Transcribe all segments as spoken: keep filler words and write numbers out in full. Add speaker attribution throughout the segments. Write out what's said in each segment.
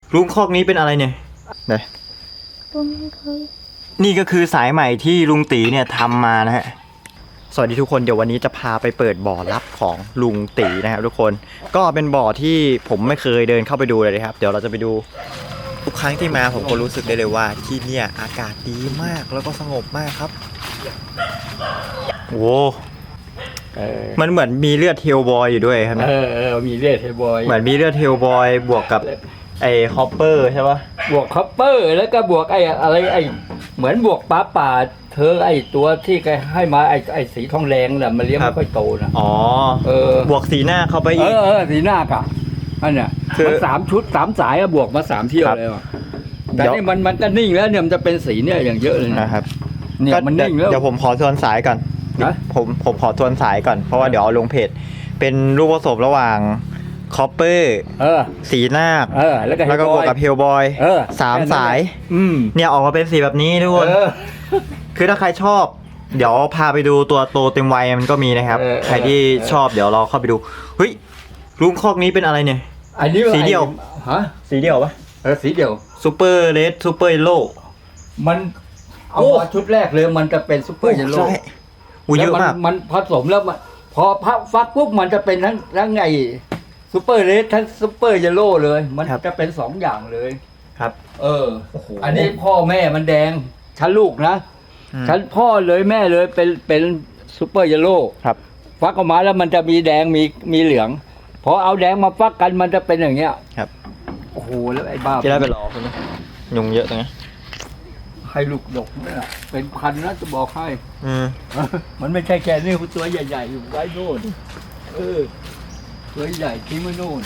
Speaker 1: ลุงคอกนี้เป็นอะไรเนี่ยไหน
Speaker 2: ลุงไม่เคย
Speaker 1: นี่ก็คือสายใหม่ที่ลุงตีเนี่ยทำมานะฮะสวัสดีทุกคนเดี๋ยววันนี้จะพาไปเปิดบ่อลับของลุงตีนะครับทุกคนก็เป็นบ่อที่ผมไม่เคยเดินเข้าไปดูเลยนะครับเดี๋ยวเราจะไปดูทุกครั้งที่มาผมก็รู้สึกได้เลยว่าที่เนี่ยอากาศดีมากแล้วก็สงบมากครับโอ้มันเหมือนมีเลือดเทลบอยอยู่ด้วยครับ
Speaker 3: เออเออมีเลือดเทบอย
Speaker 1: เหมือนมีเลือดเทลบอยบวกกับไอ้ฮอปเปอร์ใช่ปะ
Speaker 3: บวกคัพเปอร์แล้วก็บวกไอ้อะไรไอ้เหมือนบวกปลาป่าเธอไอ้ตัวที่แกให้มาไอ้ไอ้สีทองแดงน่ะมันเลี้ยงไม่ค่อยโตนะ
Speaker 1: อ๋อ
Speaker 3: เออบ
Speaker 1: วกสีหน้าเข้าไป
Speaker 3: เอ
Speaker 1: อีก
Speaker 3: อเออสีหน้ากะอันเนี้ย
Speaker 1: คือ
Speaker 3: มันสามชุดสามสายอะบวกมาสามเที่ยว
Speaker 1: ครับ
Speaker 3: เลยว่ะแต่
Speaker 1: เดี๋ยว
Speaker 3: นี่มันมันก็นิ่งแล้วเนี่ยมันจะเป็นสีเนี่ยอย่างเยอะเลยนะ
Speaker 1: นะครับ
Speaker 3: เนี่ยมันนิ่งแล้ว
Speaker 1: เดี๋ยวผมขอทวนสายก่อน
Speaker 3: นะ
Speaker 1: ผมผมขอทวนสายก่อนเพราะว่าเดี๋ยวเอาลงเพจเป็นรูปผสมระหว่างคอปเปอร์
Speaker 3: เออ
Speaker 1: สีนาค
Speaker 3: เออแล้วก็
Speaker 1: แล้วก็บวกกับเฮลบอย
Speaker 3: เออ
Speaker 1: สาม
Speaker 3: แค่นั้น
Speaker 1: สาย
Speaker 3: แหละอืม
Speaker 1: เนี่ยออกมาเป็นสีแบบนี้ทุกคน
Speaker 3: เออ
Speaker 1: คือถ้าใครชอบ เดี๋ยวพาไปดูตัวโตเต็มวัยมันก็มีนะครับ
Speaker 3: เออ
Speaker 1: ใครที่ชอบเดี๋ยวเราเข้าไปดูเฮ้ยลุงคอกนี้เป็นอะไรเนี่ย
Speaker 3: อันนี้
Speaker 1: สีเดียว
Speaker 3: ฮะ
Speaker 1: สีเดียวปะ
Speaker 3: เออสีเดียว
Speaker 1: ซูเปอร์เลดซูเปอร์เยลโล่
Speaker 3: มันเอา
Speaker 1: โอ้
Speaker 3: มาชุดแรกเลยมันจะเป็นซุปเปอร์เยลโล่
Speaker 1: ใช่อู้เยอะมาก
Speaker 3: แล้วนมันผสมแล้วมันพอพักฟักปุ๊บมันจะเป็นทั้งทั้งไงซุปเปอร์เรดทั้งซุปเปอร์เยลโล่เลย มัน
Speaker 1: ครับ
Speaker 3: จะเป็นสองอย่างเลย
Speaker 1: ครับ
Speaker 3: เออ
Speaker 1: โอ้โห
Speaker 3: อันนี้พ่อแม่มันแดงชั้นลูกนะ
Speaker 1: อืม
Speaker 3: ชั้นพ่อเลยแม่เลยเป็นเป็นซุปเปอร์เยลโล่
Speaker 1: ครับ
Speaker 3: ฟักออกมาแล้วมันจะมีแดงมีมีเหลืองพอเอาแดงมาฟักกันมันจะเป็นอย่างเงี้ย
Speaker 1: ครับ
Speaker 3: โอ้โหแล้วไอ้บ้า
Speaker 1: จะได้ไปรอคุณนะยุงเยอะตรงนี้
Speaker 3: ให้ลูกดกเนี่ยเป็นพันนะจะบอกให้
Speaker 1: อืม
Speaker 3: มันไม่ใช่แค่นี้ตัวใหญ่ๆอยู่ไว้โน่นเออตัวใหญ่ทิ้งไว้โน่น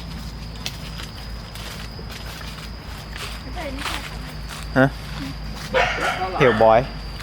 Speaker 1: ฮะเฮลบอย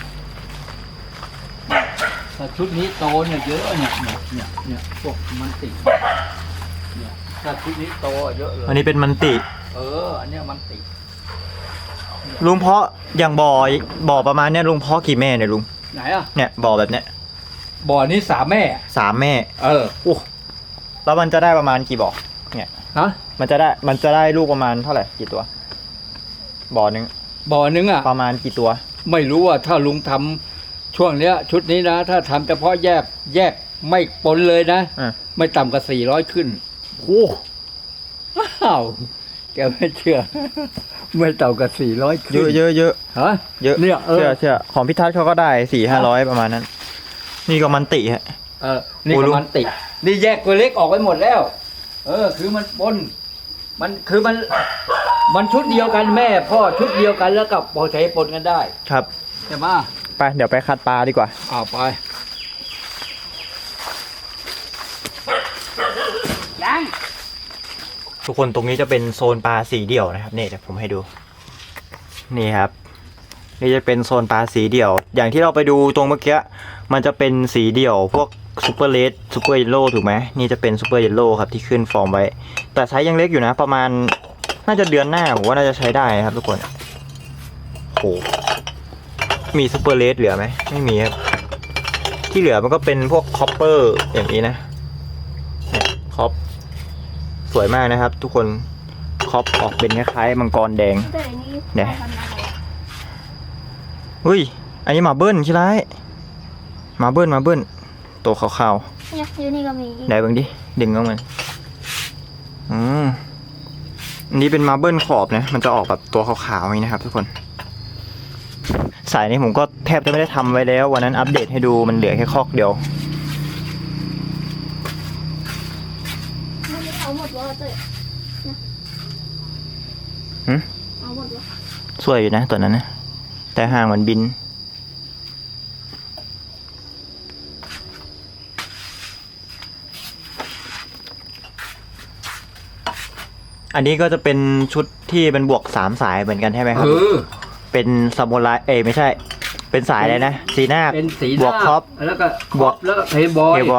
Speaker 3: แต่ชุดนี้โตเนี่ยเยอะเนี่ยเนี่ยเนี่ยเนี่ยพวกมันติเนี่ยถ้าชุดนี้โตเยอะเลย
Speaker 1: อันนี้เป็นมันติ
Speaker 3: เอออันเนี้ยมันติ
Speaker 1: ลุงเพาะอย่างบ่อบ่อประมาณเนี้ยลุงเพาะกี่แม่เนี่ยลุง
Speaker 3: ไหนอ่ะ
Speaker 1: เนี่ยบ่อแบบเนี้ย
Speaker 3: บ่อนี้สามแม่
Speaker 1: สามแม่
Speaker 3: เออ
Speaker 1: โอ้แล้วมันจะได้ประมาณกี่บ่อเนี่ย
Speaker 3: ฮะ
Speaker 1: มันจะได้มันจะได้ลูกประมาณเท่าไหร่กี่ตัว บ่อหนึ่ง
Speaker 3: บ่อนึงอ่ะ
Speaker 1: ประมาณกี่ตัว
Speaker 3: ไม่รู้ว่าถ้าลุงทำช่วงเนี้ย ชุดนี้นะ ถ้าทำเฉพาะแยกแยกไม่ปนเลยนะ
Speaker 1: อ่ะ
Speaker 3: ไม่ต่ำกว่าสี่ร้อยขึ้น
Speaker 1: โอ้
Speaker 3: อ้าวแกไม่เชื่อ ไม่ต่ำกว่าสี่ร้อยขึ้น
Speaker 1: เยอะเยอะเยอะ
Speaker 3: ฮะ
Speaker 1: เยอะ
Speaker 3: เนี่ยเออ
Speaker 1: เชื่อเชื่อของพิทัศน์เขาก็ได้สี่ห้าร้อยประมาณนั้น นี่ก็มันติฮะ
Speaker 3: เออ นี่
Speaker 1: โอ้
Speaker 3: ก็
Speaker 1: ลุง
Speaker 3: มันติดนี่แยกตัวเล็กออกไปหมดแล้ว เออ คือมันปนมันคือมัน มันชุดเดียวกันแม่พ่อชุดเดียวกันแล้วกับพอใช้ปนกันได้
Speaker 1: ครับ
Speaker 3: ใช่ไหม
Speaker 1: ไปเดี๋ยวไปคัดปลาดีกว่า
Speaker 3: เอาไปยัง
Speaker 1: ทุกคนตรงนี้จะเป็นโซนปลาสีเดี่ยวนะครับนี่เดี๋ยวผมให้ดู นี่ครับ นี่จะเป็นโซนปลาสีเดี่ยว อย่างที่เราไปดูตรงเมื่อกี้มันจะเป็นสีเดี่ยว พวกซูเปอร์เลดซูเปอร์เยลโล่ถูกไหมนี่จะเป็นซูเปอร์เยลโล่ครับที่ขึ้นฟอร์มไว้ แต่ไซส์ยังเล็กอยู่นะ ประมาณน่าจะเดือนหน้าผมว่าน่าจะใช้ได้ครับทุกคนโหมีซูเปอร์เลดเหลือไหมไม่มีครับที่เหลือมันก็เป็นพวกคอปเปอร์อย่างนี้นะเนี่ยคอปสวยมากนะครับ ทุกคนคอปออกเป็นคล้ายๆมังกรแดง
Speaker 2: แต่อันนี้
Speaker 1: เนี่ย
Speaker 2: ทำอะไรอะ
Speaker 1: เฮ้ย อันนี้หมาเบิ้ลใช่ไหมหมาเบิ้ลหมาเบิ้ลตัวขาว
Speaker 2: เนี่ยอยู่นี่ก็มี
Speaker 1: ๆไหนเบิ่งดิ ดึงออกมาอืมอันนี้เป็นมาเบิ้ลขอบนะ มันจะออกแบบตัวขาวๆอย่างนี้นะครับทุกคน สายนี้ผมก็แทบจะไม่ได้ทำไว้แล้ว วันนั้นอัปเดตให้ดูมันเหลือแค่คอกเดียว
Speaker 2: มันไม่เอาหมดวะเต้ยเนี่ย
Speaker 1: หืม
Speaker 2: เอาหมดวะ
Speaker 1: สวยอยู่นะตัวนั้นนะ แต่ห่างมันบิน อันนี้ก็จะเป็นชุดที่เป็นบวกสามสายเหมือนกันใช่ไหมค
Speaker 3: เอ
Speaker 1: รับ
Speaker 3: อ
Speaker 1: เป็นซามูไรเอ้ยไม่ใช่ เป็นสายอะไรนะ สีหน้าค
Speaker 3: เป็นสี
Speaker 1: บวก
Speaker 3: หน้า
Speaker 1: ครอป
Speaker 3: แล้วก็
Speaker 1: บวก
Speaker 3: แล้วก็เทบอย
Speaker 1: เฮบอย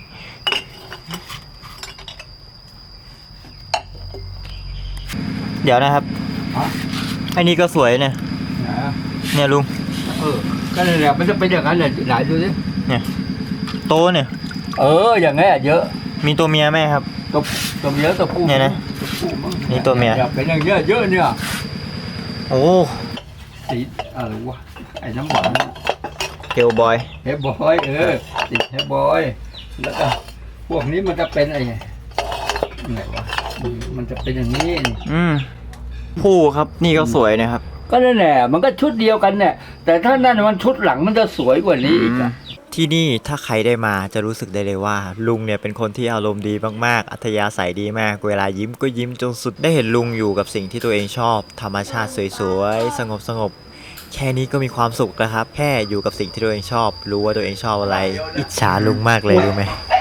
Speaker 1: เดี๋ยวนะครับ
Speaker 3: ฮะ
Speaker 1: ไอ้นี่ก็สวยเนี่ย
Speaker 3: นะ
Speaker 1: เนี่ยลุง
Speaker 3: เออก็นั่นแหละมันจะเป็นอย่างนั้นเลยไหนดูสิ
Speaker 1: เนี่ย โตเนี่ย
Speaker 3: เออ อย่างเงี้ยเยอะ
Speaker 1: มีตัวเมียไหมครับ
Speaker 3: ตัวตัวเมียตัวผู้
Speaker 1: เนี่ยนะ
Speaker 3: ตัวผู้มั้ง
Speaker 1: นี่ตัวเมีย
Speaker 3: นี่เป็นอย่างเงี้ยเยอะเนี่ย
Speaker 1: โอ้
Speaker 3: สีอะไรวะไอ้น้ำหวาน
Speaker 1: เฮลบอย
Speaker 3: เฮฟบอยเออติดเฮฟบอยแล้วก็พวกนี้มันจะเป็นไอ้ไงวะอืมมันจะเป็นอย่างนี้นี่
Speaker 1: อืมผู้ครับนี่ก็สวยนะครับ
Speaker 3: ก็นั่นแหละมันก็ชุดเดียวกันเนี่ยแต่ถ้านั่นมันชุดหลังมันจะสวยกว่านี้อีกอะ
Speaker 1: ที่นี่ถ้าใครได้มาจะรู้สึกได้เลยว่า ลุงเนี่ยเป็นคนที่อารมณ์ดีมากๆ อัธยาศัยดีมาก เวลายิ้มก็ยิ้มจนสุดได้เห็นลุงอยู่กับสิ่งที่ตัวเองชอบ ธรรมชาติสวยๆ สงบๆ แค่นี้ก็มีความสุขแล้วครับ แค่อยู่กับสิ่งที่ตัวเองชอบ รู้ว่าตัวเองชอบอะไร อิจฉาลุงมากเลยรู้ไหม